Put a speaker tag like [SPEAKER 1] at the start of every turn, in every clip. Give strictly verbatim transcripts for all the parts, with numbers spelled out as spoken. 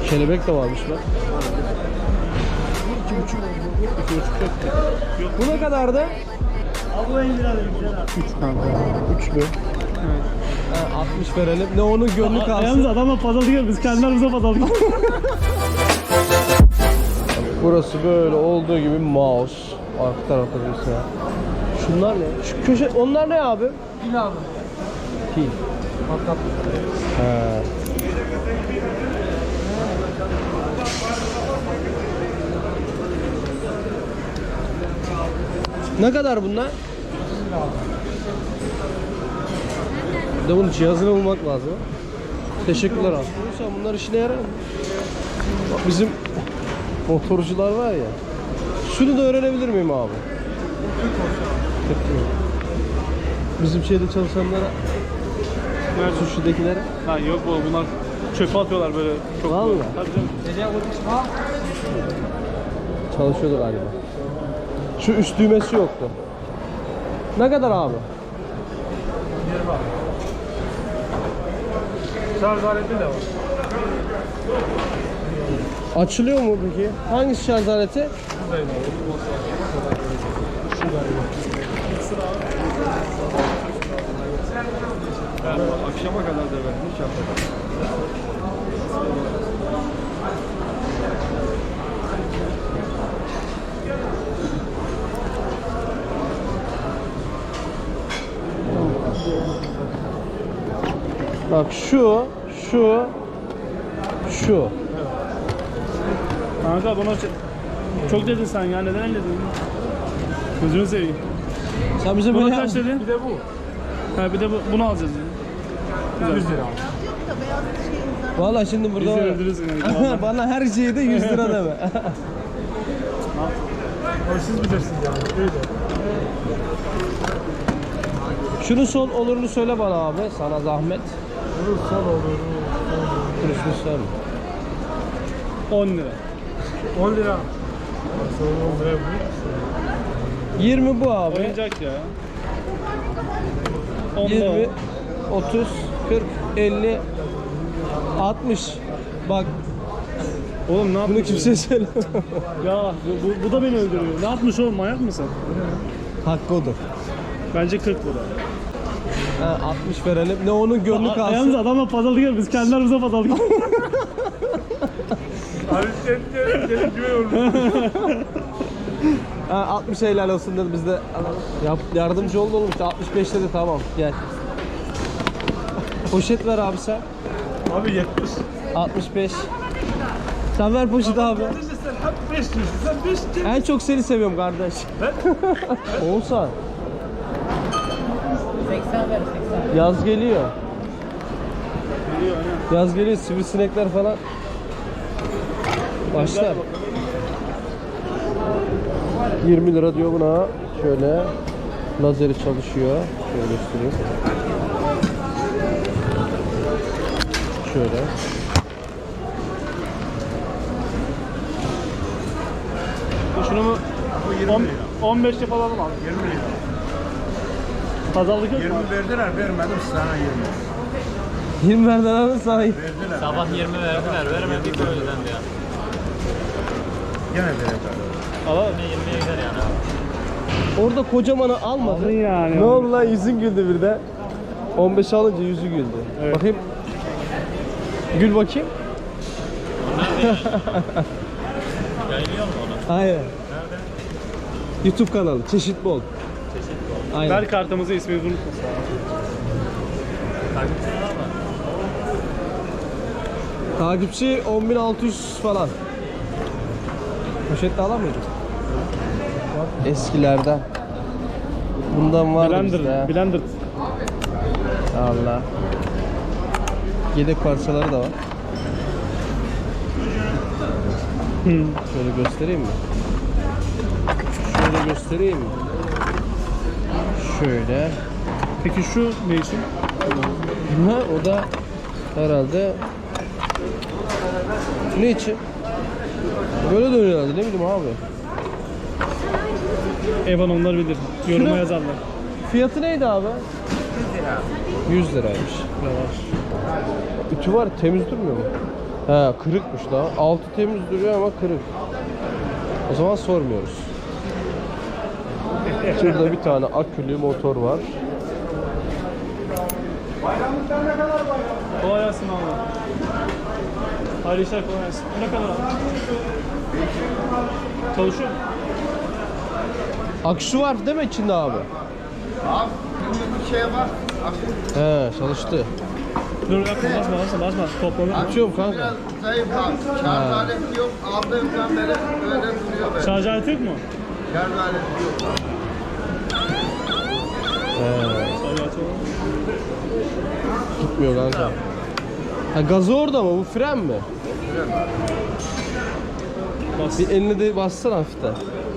[SPEAKER 1] Kelebek de varmış lan. İki buçuk. İki buçuk yok. Bu ne kadardı?
[SPEAKER 2] Abi bu elli lira güzel abi.
[SPEAKER 1] Üç kanka. Üç mü? Evet. Ha, altmış verelim. Ne onun gönlü kalsın.
[SPEAKER 2] Yalnız adamla pazarlık yapıyoruz. Biz kendi aramızda pazarlık yapıyoruz.
[SPEAKER 1] Burası böyle olduğu gibi mouse. Arka tarafta birisi ya. Şunlar ne? Şu köşe, onlar ne abi?
[SPEAKER 2] Pil abi.
[SPEAKER 1] Pil.
[SPEAKER 2] Matkap.
[SPEAKER 1] He. Ne kadar bunlar? Bir de bunun cihazını bulmak lazım. Teşekkürler abi. Sen bunlar işine yarar mı? Bak bizim motorcular var ya. Şunu da öğrenebilir miyim abi? Bizim şeyde çalışanlara, suçludakilere.
[SPEAKER 2] Ha yok bu bunlar çöpe atıyorlar böyle. Çok
[SPEAKER 1] Vallahi.
[SPEAKER 2] Tabii canım.
[SPEAKER 1] Çalışıyordu galiba. Şu üst düğmesi yoktu. Ne kadar abi?
[SPEAKER 2] Şarj aleti de var.
[SPEAKER 1] Açılıyor mu peki? Hangisi şarj aleti?
[SPEAKER 2] Akşama kadar da ben hiç yapmadım.
[SPEAKER 1] Bak şu, şu, şu.
[SPEAKER 2] Kanka buna çok dedin sen ya, neden öyle dedin? Gözünü seveyim.
[SPEAKER 1] Sen bize
[SPEAKER 2] Buna
[SPEAKER 1] böyle
[SPEAKER 2] kaç dedin? Bir de bu. Ha bir de bu, bunu alacağız yani. yüz lira.
[SPEAKER 1] Vallahi şimdi burada
[SPEAKER 2] Bizi
[SPEAKER 1] var.
[SPEAKER 2] öldürürsün yani.
[SPEAKER 1] Bana her şeyde yüz lira deme.
[SPEAKER 2] Ama siz bilirsiniz yani. Öyle.
[SPEAKER 1] Şunun son olurunu söyle bana abi. Sana zahmet.
[SPEAKER 2] Bunun son olur.
[SPEAKER 1] Şunu söyle.
[SPEAKER 2] on lira. on lira. Sonra on lira bu.
[SPEAKER 1] yirmi bu abi.
[SPEAKER 2] Oyuncak ya. on
[SPEAKER 1] yirmi, otuz, kırk, elli, altmış. Bak
[SPEAKER 2] Oğlum ne
[SPEAKER 1] bunu
[SPEAKER 2] yapıyorsun?
[SPEAKER 1] kimseye söyle.
[SPEAKER 2] Ya bu, bu da beni öldürüyor. Ne yapmış oğlum, manyak mısın?
[SPEAKER 1] Hakkı odur.
[SPEAKER 2] Bence kırk lira.
[SPEAKER 1] Ha, altmış verelim. Ne onun gönlü
[SPEAKER 2] A- Yalnız
[SPEAKER 1] kalsın.
[SPEAKER 2] adamla pazarlık yapıyoruz. Biz kendi aramızda pazarlık yapıyoruz. Abi sen gelin güven
[SPEAKER 1] Ha, altmış helal olsun dedi, biz de yap, yardımcı oldu oğlum işte. altmış beş dedi, tamam gel. Poşet ver abi sen.
[SPEAKER 2] Abi yetmiş.
[SPEAKER 1] altmış beş. Sen ver poşeti abi.
[SPEAKER 2] Sen hep beş diyorsun. Sen beş diyorsun.
[SPEAKER 1] En çok seni seviyorum kardeş.
[SPEAKER 2] Ben?
[SPEAKER 1] Oğuzhan.
[SPEAKER 3] seksen ver seksen.
[SPEAKER 1] Yaz geliyor.
[SPEAKER 2] Geliyor aynen.
[SPEAKER 1] Yaz geliyor, sivrisinekler falan başlar. yirmi lira diyor buna. Şöyle lazeri çalışıyor. Şöyle göstereyim. Şöyle.
[SPEAKER 2] Şunu mu? on beşte falan al.
[SPEAKER 4] yirmi lira.
[SPEAKER 2] Pazarlık yok mu?
[SPEAKER 4] yirmi verdiler, vermedim sana yirmi.
[SPEAKER 1] yirmi verden alın sahip.
[SPEAKER 4] Verdiler.
[SPEAKER 3] Sabah yirmi verdiler, veremedik öğleden de ya.
[SPEAKER 4] Gene verdiler.
[SPEAKER 2] Alalım.
[SPEAKER 3] Yine yirmiye gider yani.
[SPEAKER 1] Orada kocamanı almadı.
[SPEAKER 2] Aldın yani.
[SPEAKER 1] Ne oldu lan, yüzün güldü birden. on beş alınca yüzü güldü.
[SPEAKER 2] Evet.
[SPEAKER 1] Bakayım. Gül bakayım.
[SPEAKER 3] Yayılıyor mu onu?
[SPEAKER 1] Hayır. YouTube kanalı Çeşit Bol.
[SPEAKER 3] Çeşit bol.
[SPEAKER 1] Aynen.
[SPEAKER 2] Ver kartımızı, ismimizi unutmasın.
[SPEAKER 3] Takipçi var mı?
[SPEAKER 1] Takipçi on bin altı yüz falan. Poşette alamıyorduk. Eskilerden. Bundan vardı bizde.
[SPEAKER 2] Blender,
[SPEAKER 1] ha.
[SPEAKER 2] Blender.
[SPEAKER 1] Allah. Yedek parçaları da var. Şöyle göstereyim mi? Şöyle göstereyim mi? Şöyle.
[SPEAKER 2] Peki şu ne için?
[SPEAKER 1] Ha, o da herhalde ne için? Böyle dönüyor herhalde, ne bileyim abi.
[SPEAKER 2] Evan onlar bilir. Yoruma
[SPEAKER 1] Şunu-
[SPEAKER 2] yazarlar.
[SPEAKER 1] Fiyatı neydi abi? yüz lira. yüz liraymış. Yavaş. Ütü var, temiz durmuyor mu? He, kırıkmış daha. Altı temiz duruyor ama kırık. O zaman sormuyoruz. Şurada bir tane akülü motor var.
[SPEAKER 2] Kolay gelsin abi. Hayırlı işler, kolay gelsin. Bu ne kadar abi? Çalışıyor mu?
[SPEAKER 1] Aküsü var değil mi içinde abi?
[SPEAKER 4] Abi bir şey var.
[SPEAKER 1] He, çalıştı.
[SPEAKER 2] Dur yapma, basma basma basma. Toplanır.
[SPEAKER 1] Açıyorum kanka.
[SPEAKER 4] Biraz zayıf abi. Şarj aleti yok. Aldığımdan beri öyle duruyor böyle.
[SPEAKER 2] Şarj aleti yok mu?
[SPEAKER 4] Şarj aleti yok.
[SPEAKER 1] He,
[SPEAKER 2] Şarj aleti var.
[SPEAKER 1] gitmiyor kanka. Ha, gazı orada mı? Bu fren mi?
[SPEAKER 2] Bas.
[SPEAKER 1] Bir elini de bassana hafiften.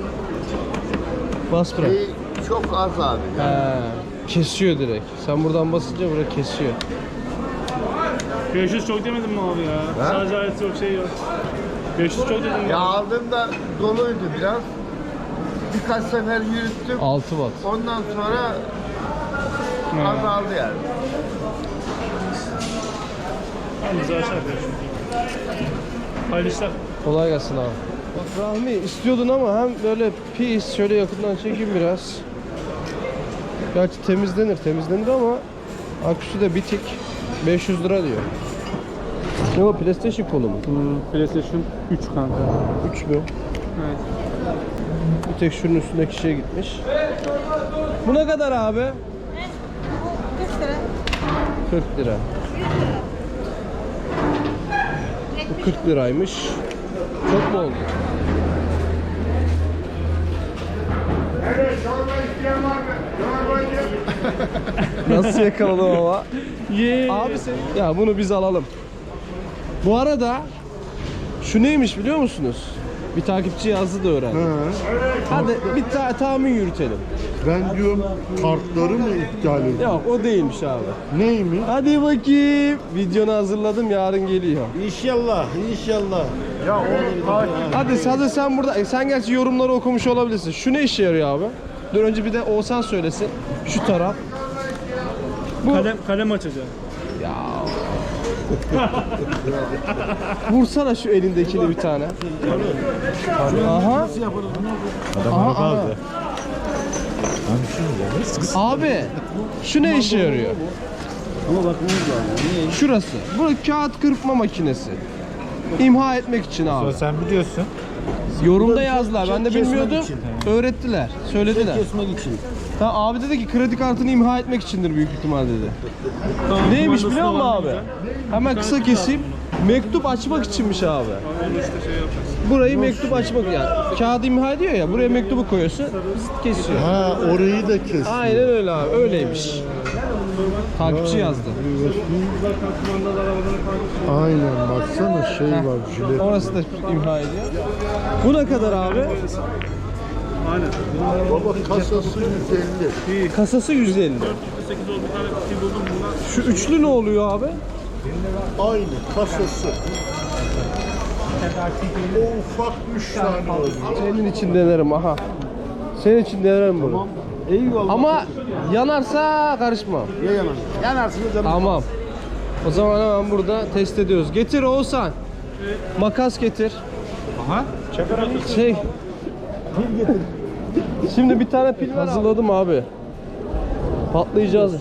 [SPEAKER 1] Bas bırak.
[SPEAKER 4] Şey, çok az abi.
[SPEAKER 1] He, kesiyor direkt. Sen buradan basınca buraya kesiyor.
[SPEAKER 2] beş yüz çok demedin mi abi ya?
[SPEAKER 4] Ha?
[SPEAKER 2] Şarj aleti yok, şey yok. beş yüz çok dedin
[SPEAKER 4] Ya
[SPEAKER 2] ya.
[SPEAKER 4] aldığımda doluydu biraz. Birkaç sefer yürüttüm.
[SPEAKER 1] altı watt.
[SPEAKER 4] Ondan sonra
[SPEAKER 2] Ha.
[SPEAKER 4] azaldı yani.
[SPEAKER 2] Tamam, güzel şey yapıyorsun. Hayırlı işler.
[SPEAKER 1] Kolay gelsin abi. Bak Rahmi istiyordun ama hem böyle pis şöyle yakından çekeyim biraz. Gerçi temizlenir temizlenir ama aküsü de bitik. beş yüz lira diyor. Ne o, PlayStation kolu mu?
[SPEAKER 2] Hmm, PlayStation üç kanka.
[SPEAKER 1] üç mü?
[SPEAKER 2] Evet.
[SPEAKER 1] Bir tek şunun üstündeki şey gitmiş. Bu ne kadar abi?
[SPEAKER 5] kırk lira.
[SPEAKER 1] kırk lira. Bu kırk liraymış. Çok mu oldu? Nasıl yakaladım ama?
[SPEAKER 2] Yeah.
[SPEAKER 1] Abi sen... Ya bunu biz alalım. Bu arada şu neymiş biliyor musunuz? Bir takipçi yazdı da öğrendim. Hadi bir ta- tahmin yürütelim.
[SPEAKER 6] Ben diyorum kartları mı iptal ediyor?
[SPEAKER 1] Yok o değilmiş abi.
[SPEAKER 6] Neymiş?
[SPEAKER 1] Hadi bakayım. Videonu hazırladım, yarın geliyor.
[SPEAKER 6] İnşallah, inşallah.
[SPEAKER 4] Ya onu takip
[SPEAKER 1] Hadi hadi sen burada, e, sen gerçi yorumları okumuş olabilirsin. Şu ne işe yarıyor abi? Dur önce bir de Oğuzhan söylesin. Şu taraf. Bu
[SPEAKER 2] Kalem, kalem açacağım.
[SPEAKER 1] ya. Vursana şu elindekini bir tane. Aha. Aha, aha. Abi şu ne işe yarıyor? Şurası. Bu kağıt kırpma makinesi. İmha etmek için abi.
[SPEAKER 6] Sen biliyorsun.
[SPEAKER 1] Yorumda yazdılar. Ben de
[SPEAKER 6] kesmek
[SPEAKER 1] bilmiyordum.
[SPEAKER 6] için.
[SPEAKER 1] Öğrettiler. Söylediler.
[SPEAKER 6] Kesmek için.
[SPEAKER 1] Ha, abi dedi ki kredi kartını imha etmek içindir büyük ihtimal dedi.
[SPEAKER 2] Tamam,
[SPEAKER 1] Neymiş
[SPEAKER 2] kumandası
[SPEAKER 1] biliyor
[SPEAKER 2] da
[SPEAKER 1] musun
[SPEAKER 2] var,
[SPEAKER 1] abi?
[SPEAKER 2] güzel.
[SPEAKER 1] Hemen kısa keseyim. Mektup açmak içinmiş abi.
[SPEAKER 2] Onu işte şey yapacaksın.
[SPEAKER 1] Burayı mektup açmak yani. Kağıdı imha ediyor ya. Buraya mektubu koyuyorsun. Zıt kesiyor.
[SPEAKER 6] Ha, orayı da kes.
[SPEAKER 1] Aynen öyle abi. Öyleymiş. Takipçi yazdı.
[SPEAKER 6] Aynen, baksana şey var, jilet.
[SPEAKER 1] Orası da imha ediyor. Bu ne kadar abi?
[SPEAKER 2] Aynen.
[SPEAKER 6] Baba kasası yüz elli.
[SPEAKER 1] Kasası yüz elli.
[SPEAKER 2] sekiz oldu, bir tane şey buldum bundan.
[SPEAKER 1] Şu üçlü ne oluyor abi?
[SPEAKER 6] Aynı kasası. O ufak üç tane oluyor.
[SPEAKER 1] Senin için denerim aha. Senin için denerim bunu.
[SPEAKER 6] Eyvallah.
[SPEAKER 1] Ama yanarsa karışmam.
[SPEAKER 6] Ya yanar. Yanarsınız canım.
[SPEAKER 1] Tamam. O zaman hemen burada test ediyoruz. Getir Oğuzhan. Makas getir.
[SPEAKER 6] Aha.
[SPEAKER 1] Şey. Şimdi bir tane pil hazırladım abi. Patlayacağız.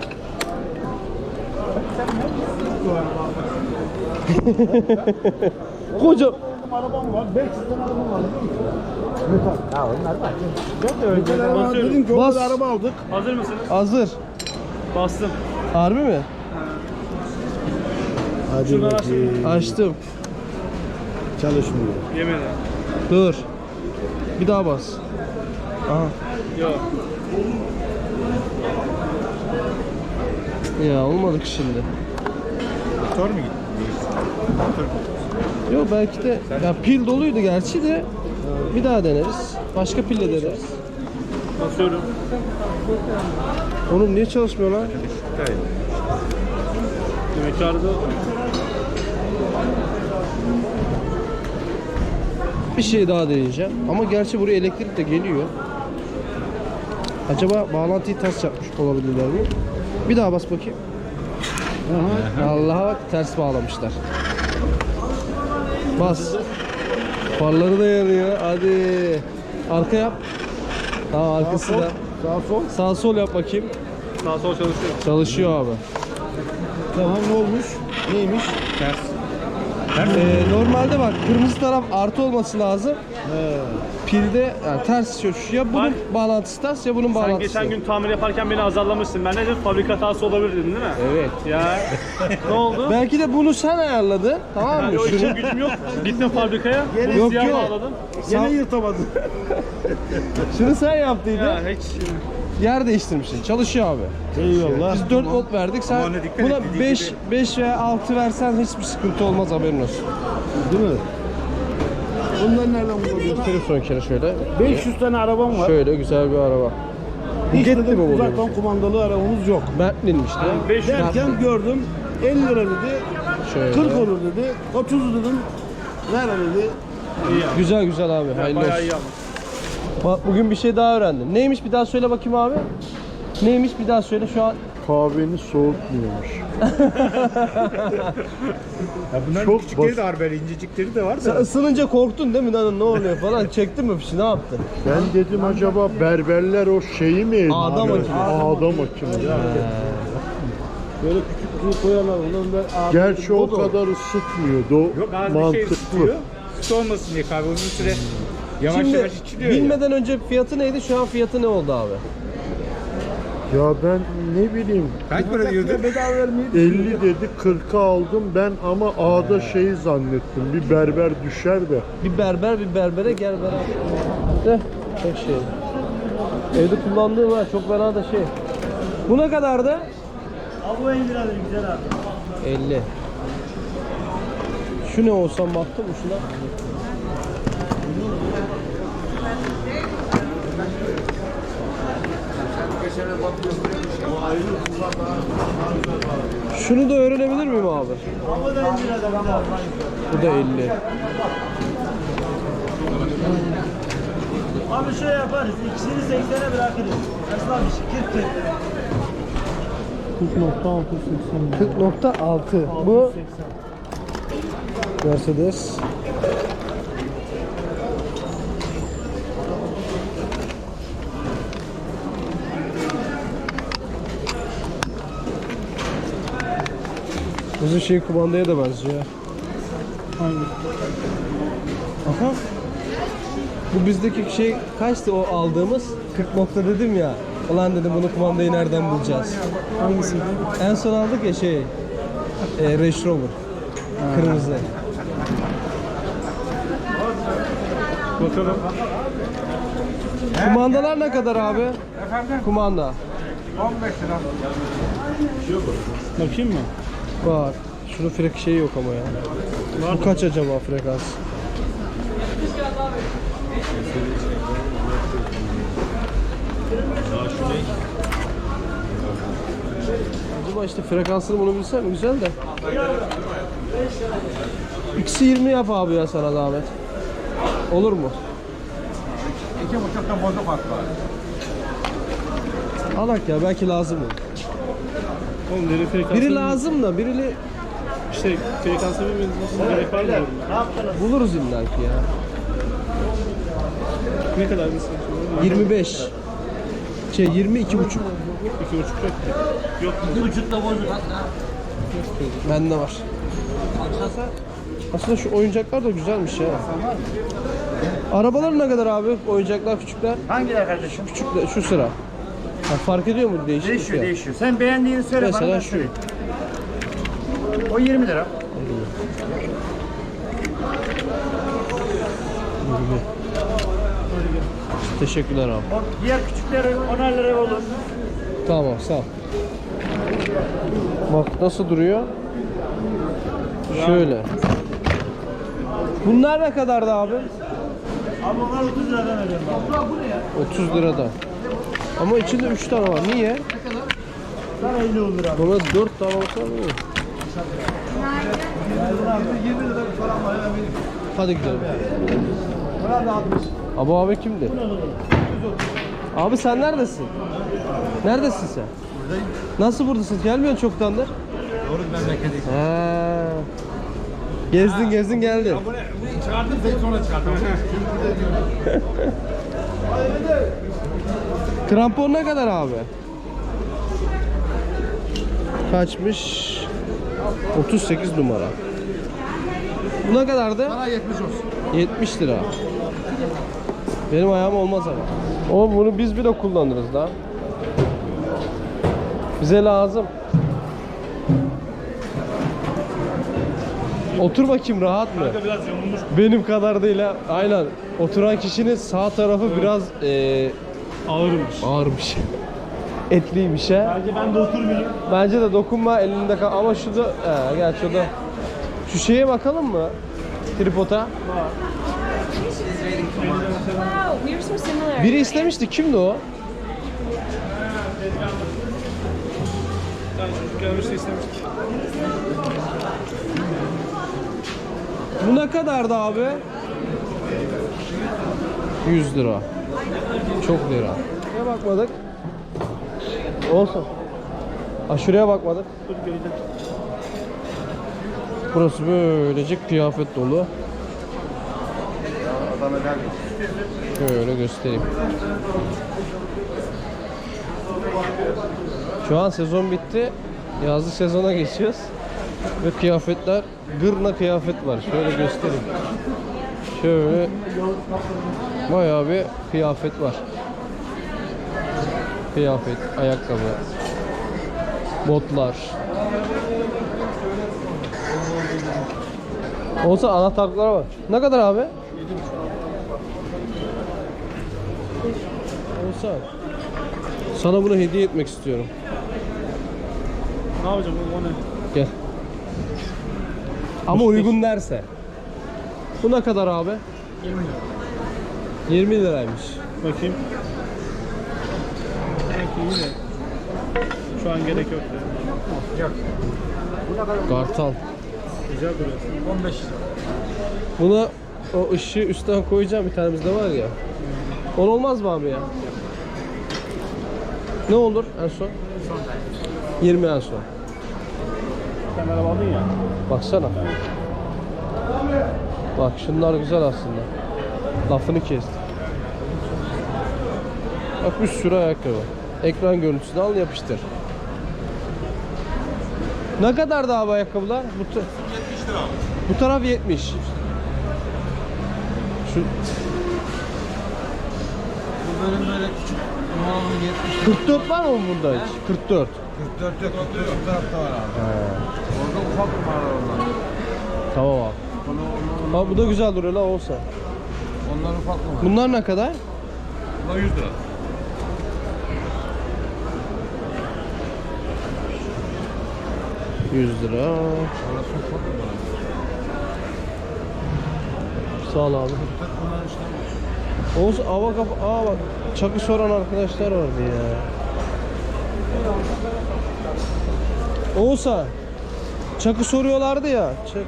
[SPEAKER 1] Koca.
[SPEAKER 6] Arabam var. beş yüz tane arabam var. Ya onlar var.
[SPEAKER 2] Basıyorum.
[SPEAKER 6] Dedim ki o
[SPEAKER 1] Bas.
[SPEAKER 6] kadar araba aldık.
[SPEAKER 2] Hazır mısınız?
[SPEAKER 1] Hazır.
[SPEAKER 2] Bastım.
[SPEAKER 1] Harbi mi?
[SPEAKER 6] Hadi
[SPEAKER 2] Şuradan
[SPEAKER 6] bakayım.
[SPEAKER 1] Açtım.
[SPEAKER 6] Çalışmıyor.
[SPEAKER 2] Yemedi.
[SPEAKER 1] Dur. Bir daha bas. Aha.
[SPEAKER 2] Yok.
[SPEAKER 1] Ya olmadı ki şimdi.
[SPEAKER 6] Motor mu gitti?
[SPEAKER 1] Yok belki de ya pil doluydu gerçi de bir daha deneriz. Başka pille deneriz.
[SPEAKER 2] Basıyorum.
[SPEAKER 1] Oğlum niye çalışmıyor lan?
[SPEAKER 2] Demek ki arada
[SPEAKER 1] Bir şey daha deneyeceğim. Ama gerçi buraya elektrik de geliyor. Acaba bağlantıyı ters yapmış olabilirler mi? Bir daha bas bakayım. Allah'a bak, ters bağlamışlar. Bas. Farları da yanıyor. Hadi. Arka yap. Tamam arkası da.
[SPEAKER 6] Sağ sol.
[SPEAKER 1] Sağ sol yap bakayım.
[SPEAKER 2] Sağ sol çalışıyor.
[SPEAKER 1] Çalışıyor abi.
[SPEAKER 6] Tamam ne olmuş? Neymiş?
[SPEAKER 2] Ters.
[SPEAKER 1] Ee, normalde bak kırmızı taraf artı olması lazım.
[SPEAKER 6] He.
[SPEAKER 1] Pilde yani ters şu. Ya bunun
[SPEAKER 2] Bak.
[SPEAKER 1] bağlantısı ters ya bunun
[SPEAKER 2] Sen
[SPEAKER 1] bağlantısı.
[SPEAKER 2] geçen gün tamir yaparken beni azarlamışsın. Ben ne dedim? Fabrika hatası olabilir dedin değil mi?
[SPEAKER 1] Evet.
[SPEAKER 2] Ya ne oldu?
[SPEAKER 1] Belki de bunu sen ayarladın. Tamam mı?
[SPEAKER 2] Yani o
[SPEAKER 1] Şunu.
[SPEAKER 2] için gücüm yok. Gittim fabrikaya.
[SPEAKER 1] Yok,
[SPEAKER 2] Yok yok.
[SPEAKER 1] yok.
[SPEAKER 2] Bağladım.
[SPEAKER 6] Gene yırtamadın.
[SPEAKER 1] Şunu sen yaptıydın.
[SPEAKER 2] Ya hiç.
[SPEAKER 1] Yer değiştirmişsin. Çalışıyor abi.
[SPEAKER 6] Eyvallah.
[SPEAKER 1] Biz dört volt verdik. Sen buna beş beş veya altı versen hiçbir sıkıntı olmaz, haberin olsun.
[SPEAKER 6] Değil mi? Bunları nereden bulabiliyorsun?
[SPEAKER 1] Göstereyim son kere şöyle.
[SPEAKER 6] beş yüz tane arabam var.
[SPEAKER 1] Şöyle güzel bir araba.
[SPEAKER 6] Hiç
[SPEAKER 1] Gitti mi
[SPEAKER 6] dedim
[SPEAKER 1] bu
[SPEAKER 6] uzaktan
[SPEAKER 1] benim?
[SPEAKER 6] kumandalı arabamız yok.
[SPEAKER 1] Bentley'miş değil mi?
[SPEAKER 2] beş yüz
[SPEAKER 6] Derken gördüm elli lira dedi,
[SPEAKER 1] Şöyle.
[SPEAKER 6] kırk olur dedi, otuz dedim, ver dedi.
[SPEAKER 1] Güzel güzel abi. Hayırlı
[SPEAKER 2] bayağı
[SPEAKER 1] olsun.
[SPEAKER 2] iyi ama.
[SPEAKER 1] Bak bugün bir şey daha öğrendim. Neymiş bir daha söyle bakayım abi. Neymiş bir daha söyle şu an.
[SPEAKER 7] Kahveni soğutmuyormuş.
[SPEAKER 6] Ya bunların
[SPEAKER 7] Çok
[SPEAKER 6] küçükleri
[SPEAKER 7] basit.
[SPEAKER 6] de var böyle incecikleri de var
[SPEAKER 1] Sen
[SPEAKER 6] da.
[SPEAKER 1] ısınınca korktun değil mi lan, ne oluyor falan, çektin mi fişi, ne yaptın?
[SPEAKER 7] Ben dedim acaba berberler o şeyi mi?
[SPEAKER 1] Ağda makinesi.
[SPEAKER 7] Ağda makinesi.
[SPEAKER 6] Böyle küçük kutu koyarlar ondan da abi.
[SPEAKER 7] Gerçi o
[SPEAKER 6] da
[SPEAKER 7] kadar ısıtmıyordu.
[SPEAKER 6] Yok az bir şey
[SPEAKER 7] Mantıklı.
[SPEAKER 6] ısıtıyor. Süt olmasın diye kahve uzun süre yavaş
[SPEAKER 1] Şimdi
[SPEAKER 6] yavaş içiliyor ya.
[SPEAKER 1] bilmeden önce fiyatı neydi, şu an fiyatı ne oldu abi?
[SPEAKER 7] Ya ben ne bileyim
[SPEAKER 6] Kaç para diyordu? Bedava vermeyi
[SPEAKER 7] elli dedi kırka aldım ben ama ağda şeyi zannettim. Bir berber düşer de.
[SPEAKER 1] Bir berber bir berbere gel beraber. Eh, çok şey. Evde kullandığım var, çok fena da şey. Bu ne kadardı?
[SPEAKER 2] Abi bu elli lira güzel abi.
[SPEAKER 1] elli. Şu ne olsam baktım mı şuna? Şunu da öğrenebilir miyim abi? Bu da elli.
[SPEAKER 2] Abi şey yaparız. İkisini seksene bırakırız. Esnaf işi kırk kırk.
[SPEAKER 1] kırk nokta altı seksen. kırk nokta altı. Bu Mercedes. Bizim şey kumandaya da benziyor. Hangi? Aha. Bu bizdeki şey kaçtı o aldığımız? kırk nokta dedim ya. Ulan dedim bunu kumandayı nereden bulacağız? Hangisiydi? En son aldık ya şey. E, Range Rover. Kırmızı.
[SPEAKER 2] Bakalım.
[SPEAKER 1] Kumandalar ne kadar abi?
[SPEAKER 6] Efendim
[SPEAKER 1] Kumanda.
[SPEAKER 6] on beş lira.
[SPEAKER 2] Bakayım mı?
[SPEAKER 1] Var. Şunun frek şeyi yok ama ya. Bu kaç acaba frekans? Acaba işte frekansını bunu bilsem güzel de. X'i yirmi yap abi ya sana zahmet. Olur mu?
[SPEAKER 6] İki buçukta bozuk at var.
[SPEAKER 1] Alak ya, belki lazım olur.
[SPEAKER 2] Oğlum deri frekansını...
[SPEAKER 1] Biri lazım da birini
[SPEAKER 2] İşte frekansını bilmeniz gerek var mı?
[SPEAKER 1] buluruz illa ki ya.
[SPEAKER 2] Ne kadar mesela?
[SPEAKER 1] yirmi beş. Şey yirmi iki buçuk.
[SPEAKER 2] İki buçuk yok. Yok. İki buçukla bozuk.
[SPEAKER 1] Bende var. Aslında şu oyuncaklar da güzelmiş ya. Arabalar ne kadar abi? Oyuncaklar küçükler.
[SPEAKER 6] Hangiler kardeşim?
[SPEAKER 1] Küçükler şu sıra. Ha, fark ediyor mu değişiklik
[SPEAKER 6] Değişiyor
[SPEAKER 1] ya?
[SPEAKER 6] değişiyor. Sen beğendiğini söyle bana.
[SPEAKER 1] Mesela
[SPEAKER 6] ben
[SPEAKER 1] şu.
[SPEAKER 6] söyleyeyim. O yirmi lira.
[SPEAKER 1] Teşekkürler abi.
[SPEAKER 6] O diğer küçükleri onar lira olur.
[SPEAKER 1] Tamam sağ ol. Bak nasıl duruyor? Şöyle. Bunlar ne kadardı abi?
[SPEAKER 2] Abi onlar otuz liradan veriyorum abi.
[SPEAKER 1] otuz lirada. Ama içinde üç tane var. Niye?
[SPEAKER 2] Sana elli olur abi.
[SPEAKER 1] Buna dört tane olsa mı?
[SPEAKER 2] yirmi lira bir falan var.
[SPEAKER 1] Hadi gidelim.
[SPEAKER 2] Buna da altmış.
[SPEAKER 1] Abi abi kimdi? Abi sen neredesin? Neredesin sen? Buradayım. Nasıl buradasın? Gelmiyorsun çoktandır.
[SPEAKER 6] Doğru memleketi.
[SPEAKER 1] He. Gezdin gezdin geldin.
[SPEAKER 6] Çıkardım seni sonra çıkardım.
[SPEAKER 1] Krampon ne kadar abi? Kaçmış? otuz sekiz numara. Bu ne kadardı?
[SPEAKER 6] Bana yetmiş olsun.
[SPEAKER 1] yetmiş lira. Benim ayağım olmaz ama. O bunu biz bile kullanırız da. Bize lazım. Otur bakayım, rahat mı?
[SPEAKER 2] Kanka biraz yamulmuş.
[SPEAKER 1] Benim kadar değil ha. Aynen. Oturan kişinin sağ tarafı biraz eee
[SPEAKER 2] Ağırmış.
[SPEAKER 1] ağırmış. Etliymiş ha.
[SPEAKER 2] Bence ben de oturmayayım.
[SPEAKER 1] Bence de dokunma, elinde kal. Ama şu da, he, gerçi o da. Şu şeye bakalım mı? Tripoda.
[SPEAKER 5] Wow, we were so similar.
[SPEAKER 1] Biri istemişti. Kimdi o?
[SPEAKER 2] Ben çocuk gelmişti istemiştik.
[SPEAKER 1] Bu ne kadardı abi? yüz lira. Çok lira. Şuraya bakmadık. Olsun. Ha, şuraya bakmadık.
[SPEAKER 2] Dur geleceğim.
[SPEAKER 1] Burası böylece kıyafet dolu. Şöyle göstereyim. Şu an sezon bitti. Yazlık sezona geçiyoruz. Ve kıyafetler, gırna kıyafet var. Şöyle göstereyim. Şöyle bayağı bir kıyafet var. Kıyafet, ayakkabı, botlar. Olsa anahtarlıklara bak. Ne kadar abi? Olsa sana bunu hediye etmek istiyorum.
[SPEAKER 2] Ne yapacağım oğlum, o ne?
[SPEAKER 1] Gel. Ama uygun derse. Bu ne kadar abi?
[SPEAKER 2] yirmi lira.
[SPEAKER 1] yirmi liraymış.
[SPEAKER 2] Bakayım. Belki iyi de. Şu an gerek yok ya.
[SPEAKER 1] Kartal.
[SPEAKER 2] Güzel duruyor. on beş lira.
[SPEAKER 1] Buna o ışığı üstten koyacağım, bir tane bizde var ya. On olmaz mı abi ya? Ne olur en son? yirmi en son.
[SPEAKER 2] Sen araba aldın ya.
[SPEAKER 1] Baksana. Bak şunlar güzel aslında. Lafını kesti. Bak bir sürü ayakkabı. Ekran görüntüsünü al, yapıştır. Ne kadar da abi ayakkabılar? Bu, yetmiş lira. Bu taraf yetmiş. Şu
[SPEAKER 6] Bu bölüm böyle küçük. Normalde yetmiş.
[SPEAKER 1] kırk dört var mı bunda hiç? kırk dört.
[SPEAKER 6] kırk dört yok. kırk dört bu tarafta var abi. Orada ufak numaralar onlar.
[SPEAKER 1] Tamam abi.
[SPEAKER 6] Onu,
[SPEAKER 1] Bak bu da güzel duruyor la olsa.
[SPEAKER 6] onlar ufak numara.
[SPEAKER 1] Bunlar ne kadar?
[SPEAKER 6] Bunlar yüz lira.
[SPEAKER 1] yüz lira.
[SPEAKER 6] Orası ufak numara.
[SPEAKER 1] Sağ ol abi.
[SPEAKER 6] Bunlar işte.
[SPEAKER 1] Oğuz ava kapı. Aa bak. Çakı soran arkadaşlar vardı ya. Oğuz'a. Çakı soruyorlardı ya. Çak.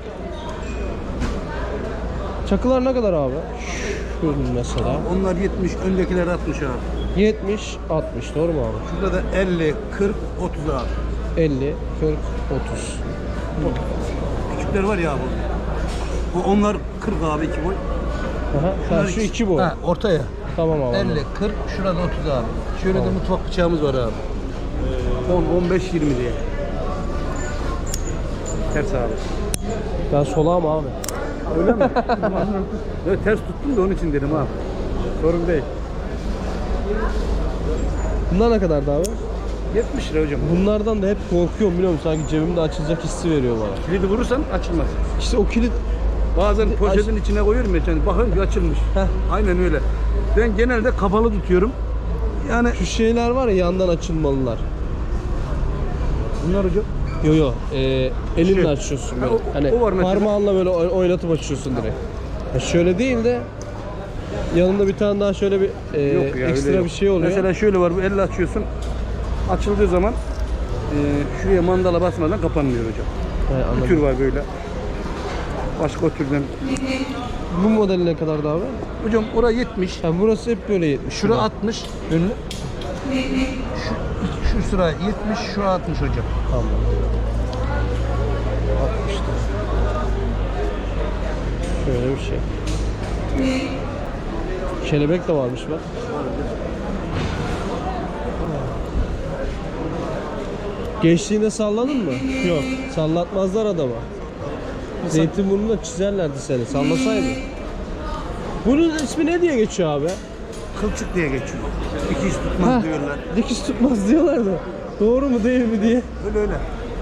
[SPEAKER 1] Çakılar ne kadar abi? Şu mesela.
[SPEAKER 6] Onlar yetmiş, öndekiler altmış abi.
[SPEAKER 1] yetmiş, altmış doğru mu abi?
[SPEAKER 6] Şurada da elli, kırk, otuz abi.
[SPEAKER 1] elli, kırk, otuz.
[SPEAKER 6] Küçükler var ya bu. Bu onlar kırk abi iki boy.
[SPEAKER 1] Aha, ha, şu iki boy.
[SPEAKER 6] Ha, ortaya.
[SPEAKER 1] Tamam abi.
[SPEAKER 6] elli, kırk, şurada otuz abi. Şöyle de mutfak bıçağımız var abi. on, on beş, yirmi diye. Ters abi.
[SPEAKER 1] Ben solağım abi.
[SPEAKER 6] Öyle mi? Evet, ters tuttum da onun için dedim abi. Sorun değil.
[SPEAKER 1] Bunlar ne kadardı abi?
[SPEAKER 6] yetmiş lira hocam.
[SPEAKER 1] Bunlardan da hep korkuyorum, biliyor musun? Sanki cebimde açılacak hissi veriyor bana.
[SPEAKER 6] Kilidi vurursan açılmaz.
[SPEAKER 1] İşte o kilit.
[SPEAKER 6] Bazen poşetin içine koyuyorum ya, yani bakın bir açılmış.
[SPEAKER 1] Heh.
[SPEAKER 6] Aynen öyle. Ben genelde kapalı tutuyorum. Yani
[SPEAKER 1] Şu şeyler var ya, yandan açılmalılar.
[SPEAKER 6] bunlar hocam.
[SPEAKER 1] Yo yo, e, elinle
[SPEAKER 6] Şey.
[SPEAKER 1] açıyorsun
[SPEAKER 6] Ha,
[SPEAKER 1] böyle.
[SPEAKER 6] o-
[SPEAKER 1] hani
[SPEAKER 6] o var mesela.
[SPEAKER 1] parmağınla böyle oy- oynatıp açıyorsun direkt. Ya şöyle değil de yanında bir tane daha şöyle bir e,
[SPEAKER 6] Yok ya,
[SPEAKER 1] ekstra
[SPEAKER 6] öyle yok.
[SPEAKER 1] bir şey oluyor.
[SPEAKER 6] Mesela şöyle var, bu elle açıyorsun. Açıldığı zaman e, şuraya mandala basmadan kapanmıyor hocam.
[SPEAKER 1] He,
[SPEAKER 6] Bu
[SPEAKER 1] anladım.
[SPEAKER 6] tür var böyle. Başka o türden.
[SPEAKER 1] Bu model ne kadardı abi?
[SPEAKER 6] Hocam oraya yetmiş.
[SPEAKER 1] Ha, burası hep böyle yetmiş.
[SPEAKER 6] Şura altmış önlü. Şu, şu sıra yetmiş, şu altmış hocam.
[SPEAKER 1] Tamam. altmıştı. Şöyle bir şey. Kelebek de varmış bak. Gençliğinde salladın mı?
[SPEAKER 2] Yok.
[SPEAKER 1] Sallatmazlar adama. Zeytinburnu'nda çizerlerdi seni. Sallasaydın. Bunun ismi ne diye geçiyor abi?
[SPEAKER 6] Kılçık diye geçiyor. Dikiş tutmaz
[SPEAKER 1] Ha,
[SPEAKER 6] diyorlar.
[SPEAKER 1] dikiş tutmaz diyorlar da. Doğru mu değil mi diye.
[SPEAKER 6] Öyle öyle.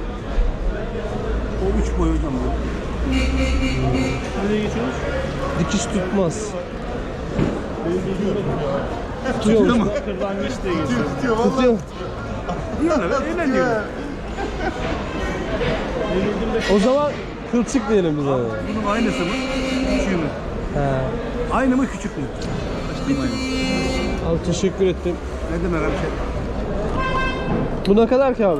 [SPEAKER 6] O üç boy hocam bu.
[SPEAKER 2] Nereye geçiyoruz?
[SPEAKER 1] Dikiş tutmaz.
[SPEAKER 6] Tutuyor mu?
[SPEAKER 2] Kırlangıç diye geçiyoruz.
[SPEAKER 1] Tutuyor.
[SPEAKER 6] Diyorlar öyle diyorlar.
[SPEAKER 1] O zaman kılçık diyelim biz ona.
[SPEAKER 6] Bunun aynısı mı? Küçüğü mü?
[SPEAKER 1] He.
[SPEAKER 6] Aynı mı küçük mü?
[SPEAKER 1] Abi teşekkür ettim.
[SPEAKER 6] Ne demek abi şey?
[SPEAKER 1] Bu ne kadar ki abi?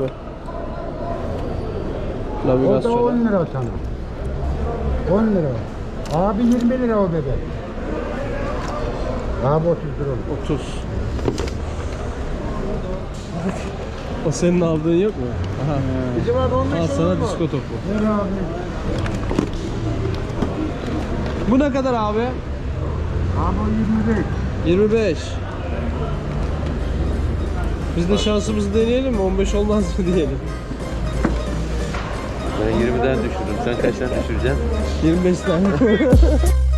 [SPEAKER 8] O da
[SPEAKER 1] Navigasyon.
[SPEAKER 8] on lira sana. on lira. Abi yirmi lira o bebek. Abi otuz lira.
[SPEAKER 1] otuz. O senin aldığın yok mu? Aha.
[SPEAKER 4] Bizim abi on beş
[SPEAKER 1] Al sana
[SPEAKER 4] olur mu?
[SPEAKER 1] disko topu.
[SPEAKER 8] Ver abi.
[SPEAKER 1] Bu ne kadar abi?
[SPEAKER 8] Abi o yirmi beş.
[SPEAKER 1] yirmi beş. Biz de şansımızı deneyelim mi? on beş olmaz mı diyelim.
[SPEAKER 9] Ben yirmiden düşürdüm. Sen kaçtan düşüreceksin?
[SPEAKER 1] yirmi beş tane.